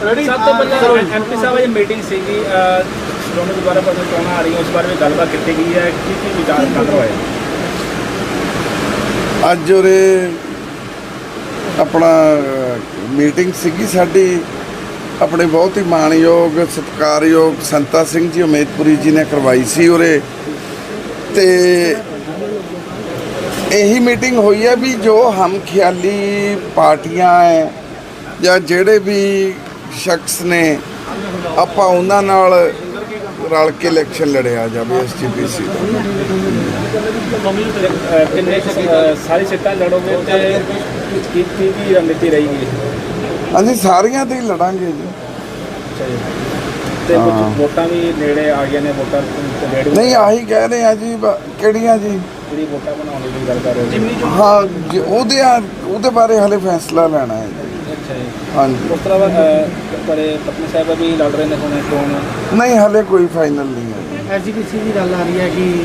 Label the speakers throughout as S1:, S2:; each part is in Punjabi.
S1: ਸਭ ਤੋਂ ਪਹਿਲਾਂ ਐਮਪੀ ਸਾਹਿਬ ਦੀ ਮੀਟਿੰਗ ਸੀਗੀ ਸ਼੍ਰੋਮਣੀ ਗੁਰਦੁਆਰਾ ਪ੍ਰਬੰਧਕ ਚੋਣਾਂ ਆ ਰਹੀਆਂ ਉਸ ਬਾਰੇ ਵੀ ਗੱਲਬਾਤ ਕੀਤੀ ਗਈ ਹੈ ਕੀ ਵਿਚਾਰ ਕਰ ਰਹੇ
S2: ਅੱਜ ਉਰੇ ਆਪਣਾ ਮੀਟਿੰਗ ਸੀਗੀ ਸਾਡੀ ਆਪਣੇ ਬਹੁਤ ਹੀ ਮਾਣਯੋਗ ਸਤਿਕਾਰਯੋਗ ਸੰਤਾ ਸਿੰਘ ਜੀ ਉਮੇਦਪੁਰੀ ਜੀ ਨੇ ਕਰਵਾਈ ਸੀ ਉਰੇ ਤੇ ਇਹੀ ਮੀਟਿੰਗ ਹੋਈ ਹੈ ਵੀ ਜੋ ਹਮ ਖਿਆਲੀ ਪਾਰਟੀਆਂ ਹੈ ਜਾਂ ਜਿਹੜੇ ਵੀ ਸ਼ਖਸ ਨੇ ਆਪਾਂ ਉਹਨਾਂ ਨਾਲ ਰਲ ਕੇ ਇਲੈਕਸ਼ਨ ਲੜਿਆ ਜਾਵੇ ਐਸਜੀਪੀਸੀ ਦਾ।
S1: ਕਿੰਨੇ ਸਾਰੀ ਸੀਟਾਂ ਲੜੋਗੇ ਤੇ ਕੀ ਰਣਨੀਤੀ ਰਹੇਗੀ?
S2: ਅਸੀਂ ਸਾਰੀਆਂ ਤੇ ਹੀ ਲੜਾਂਗੇ ਜੀ।
S1: ਤੇ ਕੁਝ ਵੋਟਾਂ ਵੀ ਨੇੜੇ ਆ ਗਈਆਂ ਨੇ ਵੋਟਾਂ
S2: ਨਹੀਂ ਆਹੀ ਕਹਿ ਰਹੇ ਆ ਜੀ ਕਿਹੜੀਆਂ ਜੀ
S1: ਜਿਹੜੀ ਵੋਟਾਂ ਬਣਾਉਣ ਦੀ ਗੱਲ ਕਰ ਰਹੇ ਹੋ?
S2: ਹਾਂ ਉਹਦੇ ਬਾਰੇ ਹਲੇ ਫੈਸਲਾ ਲੈਣਾ ਹੈ ਜੀ।
S1: ਅੱਛਾ ਜੀ
S2: ਹਾਂਜੀ
S1: ਉਸ ਤੋਂ ਬਾਅਦ ਬੜੇ ਪਤਨੀ ਸਾਹਿਬ ਵੀ ਲੜ ਰਹੇ ਨੇ ਹੁਣ ਚੋਣ
S2: ਨਹੀਂ ਹਲੇ ਕੋਈ ਫਾਈਨਲ ਨਹੀਂ ਹੈ।
S3: ਐਸਜੀਪੀਸੀ ਦੀ ਗੱਲ ਆ ਰਹੀ ਹੈ ਕਿ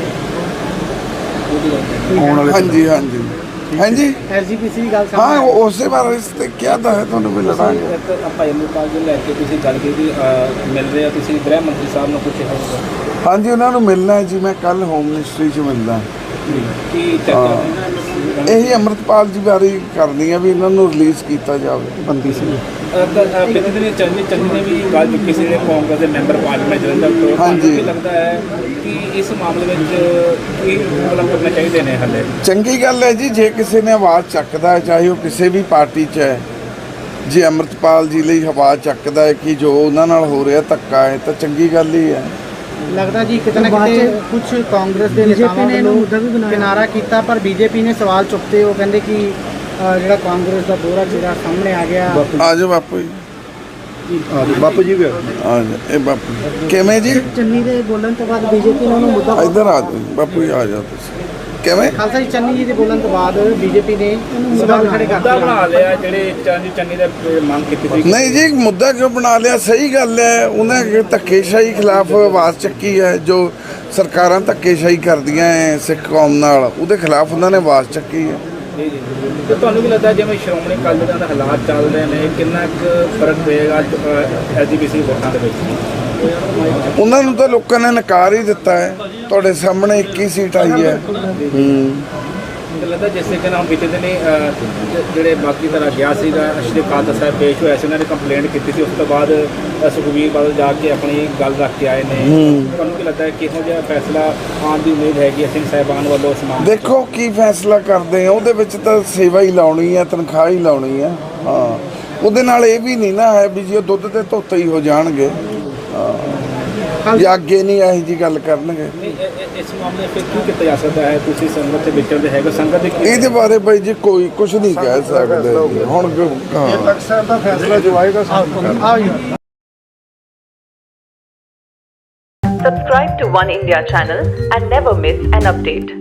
S2: ਹਾਂਜੀ ਹਾਂਜੀ ਹਾਂਜੀ
S3: ਐਸਜੀਪੀਸੀ ਦੀ ਗੱਲ
S2: ਹਾਂ ਉਸੇ ਬਾਰੇ ਇਸ ਤੇ ਕਿਹਾ ਤਾਂ ਹੈ ਤੁਹਾਨੂੰ ਵੀ ਲੜਾਂਗੇ।
S1: ਭਾਈ ਅਮਰਪਾਲ ਜੀ ਲੈ ਕੇ ਤੁਸੀਂ ਗੱਲ ਕੀਤੀ ਮਿਲ ਰਹੇ ਹੋ ਤੁਸੀਂ ਗ੍ਰਹਿ ਮੰਤਰੀ ਸਾਹਿਬ ਨੂੰ ਪੁੱਛਿਆ ਹੋਊਗਾ
S2: ਹਾਂਜੀ ਉਹਨਾਂ ਨੂੰ ਮਿਲਣਾ ਹੈ ਜੀ ਮੈਂ ਕੱਲ ਹੋਮ ਮਿਨਿਸਟਰੀ 'ਚ ਮਿਲਦਾ
S1: ਕੀ ਚਰਚਾ
S2: ਇਹੀ ਅੰਮ੍ਰਿਤਪਾਲ ਜੀ ਬਾਰੇ ਕਰਨੀ ਹੈ ਵੀ ਇਹਨਾਂ ਨੂੰ ਰਿਲੀਜ਼ ਕੀਤਾ ਜਾਵੇ ਬੰਦੀ ਸਿੰਘ।
S1: ਪਿਛਲੇ ਚੰਨੀ ਨੇ ਵੀ ਗੱਲ ਕੀਤੀ ਸੀ ਜਿਹੜੇ ਕਾਂਗਰਸ ਦੇ ਮੈਂਬਰ ਪਾਰਲੀਮੈਂਟ ਜਲੰਧਰ ਤੋਂ
S2: ਹਾਂਜੀ
S1: ਲੱਗਦਾ ਹੈ ਕਿ ਇਸ ਮਾਮਲੇ ਵਿੱਚ ਕੀ ਮਤਲਬ ਕਰਨਾ ਚਾਹੀਦੇ ਨੇ ਹਾਲੇ?
S2: ਚੰਗੀ ਗੱਲ ਹੈ ਜੀ ਜੇ ਕਿਸੇ ਨੇ ਆਵਾਜ਼ ਚੱਕਦਾ ਹੈ ਚਾਹੇ ਉਹ ਕਿਸੇ ਵੀ ਪਾਰਟੀ 'ਚ ਹੈ ਜੇ ਅੰਮ੍ਰਿਤਪਾਲ ਜੀ ਲਈ ਆਵਾਜ਼ ਚੱਕਦਾ ਹੈ ਕਿ ਜੋ ਉਹਨਾਂ ਨਾਲ ਹੋ ਰਿਹਾ ਧੱਕਾ ਹੈ ਤਾਂ ਚੰਗੀ ਗੱਲ ਹੀ ਹੈ।
S3: ਲੱਗਦਾ ਜੀ ਕਿਤੇ ਨਾ ਕਿਤੇ ਕੁਝ ਕਾਂਗਰਸ ਦੇ ਨੇਤਾਵਾਂ ਵੱਲੋਂ ਕਿਨਾਰਾ ਕੀਤਾ ਪਰ ਬੀਜੇਪੀ ਨੇ ਸਵਾਲ ਚੁੱਕਦੇ ਉਹ ਕਹਿੰਦੇ ਕਿ ਜਿਹੜਾ ਕਾਂਗਰਸ ਦਾ ਦੋਹਰਾ ਚਿਹਰਾ ਸਾਹਮਣੇ ਆ ਗਿਆ।
S2: ਆ ਜਾਓ ਬਾਪੂ ਜੀ
S4: ਬਾਪੂ ਜੀ ਵੀ
S2: ਆ ਜਾਓ ਇਹ ਬਾਪੂ ਕਿਵੇਂ ਜੀ
S3: ਚੰਨੀ ਦੇ ਬੋਲਣ ਤੋਂ ਬਾਅਦ ਬੀਜੇਪੀ ਨੇ ਉਹਨੂੰ ਮੁੱਦਾ
S2: ਇੱਧਰ ਆ ਜਾਓ ਬਾਪੂ ਜੀ ਆ ਜਾਓ ਤੁਸੀਂ ਕਿਵੇਂ
S3: ਖਾਲਸਾ ਜੀ ਚੰਨੀ ਜੀ ਦੇ ਬੋਲਣ ਤੋਂ ਬਾਅਦ ਬੀਜੇਪੀ ਨੇ ਸਵਾਲ ਖੜੇ ਕਰ
S1: ਮੁੱਦਾ ਬਣਾ ਲਿਆ ਜਿਹੜੇ ਚੰਨੀ ਦਾ ਮੰਗ ਕੀਤੀ ਸੀ?
S2: ਨਹੀਂ ਜੀ ਮੁੱਦਾ ਕਿਉਂ ਬਣਾ ਲਿਆ ਸਹੀ ਗੱਲ ਹੈ ਉਹਨੇ ਧੱਕੇਸ਼ਾਹੀ ਖਿਲਾਫ ਆਵਾਜ਼ ਚੱਕੀ ਹੈ ਜੋ ਸਰਕਾਰਾਂ ਧੱਕੇਸ਼ਾਹੀ ਕਰਦੀਆਂ ਹੈ ਸਿੱਖ ਕੌਮ ਨਾਲ ਉਹਦੇ ਖਿਲਾਫ ਉਹਨਾਂ ਨੇ ਆਵਾਜ਼ ਚੱਕੀ ਹੈ।
S1: ਤੇ ਤੁਹਾਨੂੰ ਵੀ ਲੱਗਦਾ ਜਿਵੇਂ ਸ਼੍ਰੋਮਣੀ ਅਕਾਲੀ ਦਲ ਦੇ ਹਾਲਾਤ ਚੱਲ ਰਹੇ ਨੇ ਕਿੰਨਾ ਕੁ ਫਰਕ ਪਏਗਾ ਐਸਜੀਪੀਸੀ ਵੋਟਾਂ ਦੇ ਵਿੱਚ?
S2: ਉਹਨਾਂ ਨੂੰ ਤਾਂ ਲੋਕਾਂ ਨੇ ਨਕਾਰ ਹੀ ਦਿੱਤਾ ਹੈ ਤੁਹਾਡੇ ਸਾਹਮਣੇ 21 ਸੀਟ ਆਈ ਹੈ।
S1: ਲੱਗਦਾ ਜਿਸ ਤਰੀਕੇ ਨਾਲ ਬੀਤੇ ਦਿਨ ਜਿਹੜੇ ਬਾਕੀ ਤਰ੍ਹਾਂ ਗਿਆ ਸੀਗਾ ਸ਼੍ਰੀ ਅਕਾਲ ਸਾਹਿਬ ਪੇਸ਼ ਹੋਇਆ ਸੀ ਉਹਨਾਂ ਨੇ ਕੰਪਲੇਂਟ ਕੀਤੀ ਸੀ ਉਸ ਤੋਂ ਬਾਅਦ ਸੁਖਬੀਰ ਬਾਦਲ ਜਾ ਕੇ ਆਪਣੀ ਗੱਲ ਰੱਖ ਕੇ ਆਏ ਨੇ ਤੁਹਾਨੂੰ ਕੀ ਲੱਗਦਾ ਹੈ ਕਿਹੋ ਜਿਹਾ ਫੈਸਲਾ ਆਉਣ ਦੀ ਉਮੀਦ ਹੈਗੀ ਸਿੰਘ ਸਾਹਿਬਾਨ ਵੱਲੋਂ ਸਮਾਨ?
S2: ਦੇਖੋ ਕੀ ਫੈਸਲਾ ਕਰਦੇ ਆ ਉਹਦੇ ਵਿੱਚ ਤਾਂ ਸੇਵਾ ਹੀ ਲਾਉਣੀ ਹੈ ਤਨਖਾਹ ਹੀ ਲਾਉਣੀ ਹੈ। ਹਾਂ ਉਹਦੇ ਨਾਲ ਇਹ ਵੀ ਨਹੀਂ ਨਾ ਹੈ ਵੀ ਜੀ ਉਹ ਦੁੱਧ ਤੇ ਧੋਤੇ ਹੀ ਹੋ ਜਾਣਗੇ ਜਾਂ ਅੱਗੇ ਨਹੀਂ ਇਹੋ ਜਿਹੀ ਗੱਲ ਕਰਨਗੇ।
S1: ਇਸ ਮਾਮਲੇ ਵਿੱਚ ਕੀ ਕੀਤਾ ਜਾ ਸਕਦਾ ਹੈ ਤੁਸੀਂ ਸੰਗਤ ਦੇ ਵਿਚਰਦੇ ਹੈਗੇ ਸੰਗਤ ਦੇ
S2: ਇਹਦੇ ਬਾਰੇ ਬਾਈ ਜੀ ਕੋਈ ਕੁਝ ਨਹੀਂ ਕਹਿ ਸਕਦੇ ਹੁਣ
S4: ਇਹ ਤੱਕ ਸਾਹਿਬ ਦਾ ਫੈਸਲਾ ਜੋ ਆਏਗਾ
S5: Subscribe to One India channel and never miss an update.